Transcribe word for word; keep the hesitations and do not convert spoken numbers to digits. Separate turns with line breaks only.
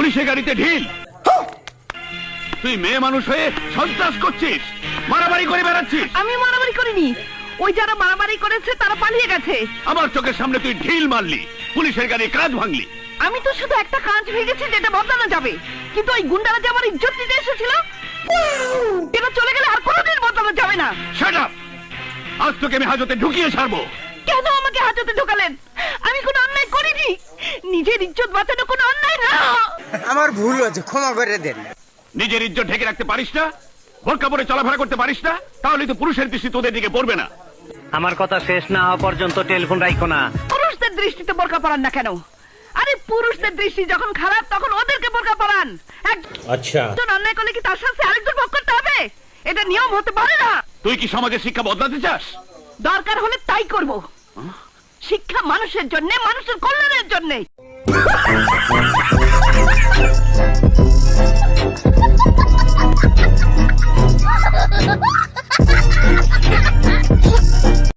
পুলিশের গাড়িতে ঢিল। তুই মেয়ে মানুষ হয়ে সন্ত্রাস করছিস, মারামারি করে বেড়াচ্ছিস।
আমি মারামারি করিনি, ওই যারা মারামারি করেছে তারা পালিয়ে গেছে।
আমার চোখের সামনে তুই ঢিল মারলি, পুলিশের গাড়ি কাঁচ ভাঙলি।
আমি তো শুধু একটা কাঁচ ভেঙেছি যেটা বদলানো যাবে, কিন্তু ওই গুন্ডারা যে আমার ইজ্জত দিতে এসেছিল এটা চলে গেলে আর কোনোদিন বদলানো যাবে না।
Shut up! আজ তোকে আমি হাজতে ঢুকিয়ে ছাড়বো।
কেন আমাকে হাজতে ঢোকালেন? আমি কোনো অন্যায় করিনি, নিজের ইজ্জত বাঁচানো কোনো অন্যায় না।
আমার ভুল হয়েছে, ক্ষমা করে দেন।
নিজের ইজ্জত ঢেকে রাখতে পারিস না, বোরকা পরে চলাফেরা করতে পারিস না, তাহলে তো পুরুষের দৃষ্টি তোদের দিকে পড়বে না।
আমার কথা শেষ না হওয়া পর্যন্ত টেলিফোন রাখো না।
পুরুষদের দৃষ্টিতে বোরকা পরান না কেন? আরে পুরুষদের দৃষ্টি যখন খারাপ তখন ওদেরকে বোরকা পরান।
আচ্ছা,
একজন অন্যায় করলে কি তার শাস্তি আরেকজন ভোগ করতে হবে? এটা নিয়ম হতে পারে না।
তুই কি সমাজের শিক্ষা বদলাতে চাস?
দরকার হলে তাই করব। শিক্ষা মানুষের জন্য, মানুষের কল্যাণের জন্য।